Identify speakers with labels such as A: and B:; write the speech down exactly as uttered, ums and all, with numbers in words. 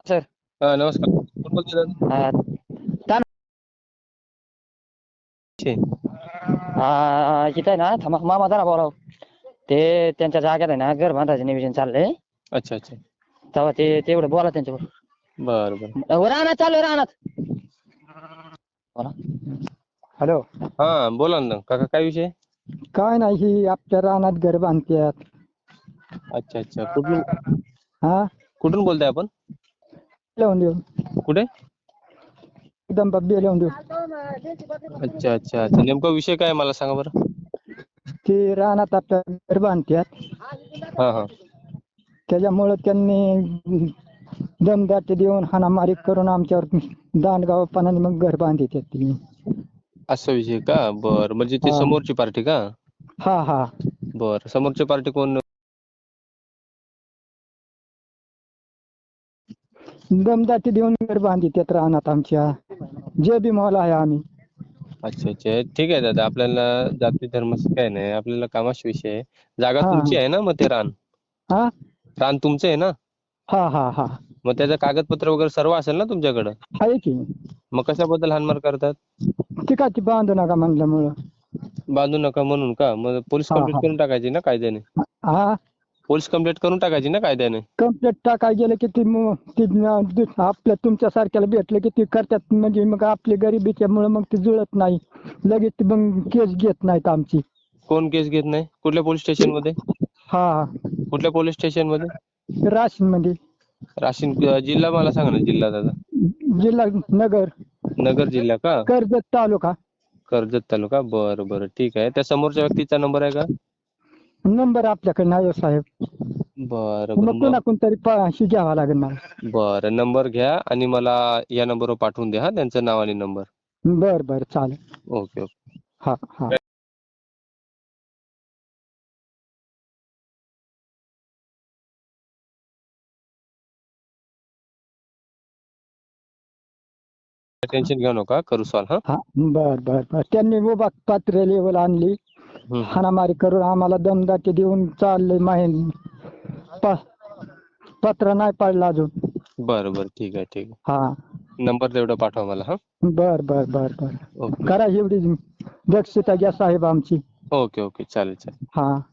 A: Sir
B: हा नमस्कार. कोण बोलतोय दादा?
A: अं, तान-
B: छे.
A: अं, इथं आहे ना थांबा मामा जरा बोलाव. ते त्यांच्या जागेत आहे ना घर बांधायचं नियोजन चाललंय.
B: अच्छा अच्छा.
A: तेव्हा ते तेवढं बोला त्यांच्यावर.
B: बर बर.
A: अं, रानात चालू आहे, रानात बोला. हॅलो.
B: हा बोला ना काका, काय विषय?
C: काय नाही, ही आपल्या रानात घर बांधतात.
B: अच्छा अच्छा. कुठून
C: हा
B: कुठून बोलताय आपण?
C: लावून देऊ
B: कुठे?
C: एकदम बब्बी लावून देऊ.
B: अच्छा अच्छा अच्छा. नेमका विषय काय आहे मला सांगा बरं.
C: ते रानात आपल्या घर बांधतात,
B: हा हा.
C: त्याच्यामुळं त्यांनी दमदाटी देऊन हाणामारी करून आमच्यावर दांडगावपणाने मग घर बांधतात तुम्ही.
B: असा विषय का? बर, म्हणजे ते
C: हा.
B: समोरची पार्टी का?
C: हा हा.
B: बर, समोरची पार्टी कोण?
C: दमदाटी देऊन घर बांधतात रानात आमच्या. जे बी मॉल आहे आम्ही.
B: अच्छा अच्छा. ठीक आहे दादा, आपल्याला जाती धर्माचं काय नाही, आपल्याला कामाशी विषय आहे. जागा
C: हा
B: तुमची आहे ना मग ते रान?
C: हा
B: रान तुमचं आहे ना?
C: हा हा हा.
B: मग त्याचं कागदपत्र वगैरे सर्व असेल ना तुमच्याकडं?
C: आहे की.
B: मग कशाबद्दल हाणमार करतात?
C: ती काय ती बांधू नका म्हणल्यामुळं.
B: बांधू नका म्हणून का? मग पोलीस
C: हा
B: कंप्लेंट
C: हा
B: करून टाकायची ना कायद्याने.
C: हा.
B: पोलीस कंप्लेंट करून टाकायची ना कायद्याने.
C: कंप्लेंट टाकाय गेलं की ती मग ती न- आपल्या तुमच्यासारख्याला भेटलं की ती करतात, म्हणजे मग आपली गरिबीच्यामुळे मग ती जुळत नाही. लगेच ती मग केस घेत नाहीत आमची.
B: कोण केस घेत नाही? कुठल्या पोलीस स्टेशन मध्ये?
C: हा.
B: कुठल्या पोलीस स्टेशन मध्ये?
C: राशीन मध्ये.
B: राशीन अं, जिल्हा मला सांगा ना, जिल्हा दादा.
C: जिल्हा नगर,
B: नगर जिल्हा का?
C: कर्जत तालुका.
B: कर्जत तालुका. बरं बरं, ठीक आहे. त्या समोरच्या व्यक्तीचा नंबर आहे का?
C: नंबर आपल्याकडे नाही हो साहेब.
B: बरं
C: मग
B: बरं. मग
C: कोणाकडून तरी पाशी घ्यावा लागेल मला.
B: बरं, नंबर घ्या आणि मला या नंबरवर पाठवून द्या, हा त्यांचं नाव आणि नंबर.
C: बर बर चालेल.
B: Okay okay.
C: हा हा.
B: टेन्शन घेऊ नका, करू सॉल्व. हा.
C: हा बर बर बर. त्यांनी उभा पात्र लेवल आणली,
B: हम्म.
C: हाणामारी करून आम्हाला दमदाटी देऊन चाललंय माहीन. पत्र नाही पाडलं अजून.
B: बरं बरं, ठीक आहे ठीक आहे.
C: हा.
B: नंबर तेवढा पाठवा मला. हा.
C: बर बर बर बर.
B: ओके
C: करा एवढी दक्षता घ्या साहेब आमची.
B: ओके ओके, चालेल चालेल.
C: हा.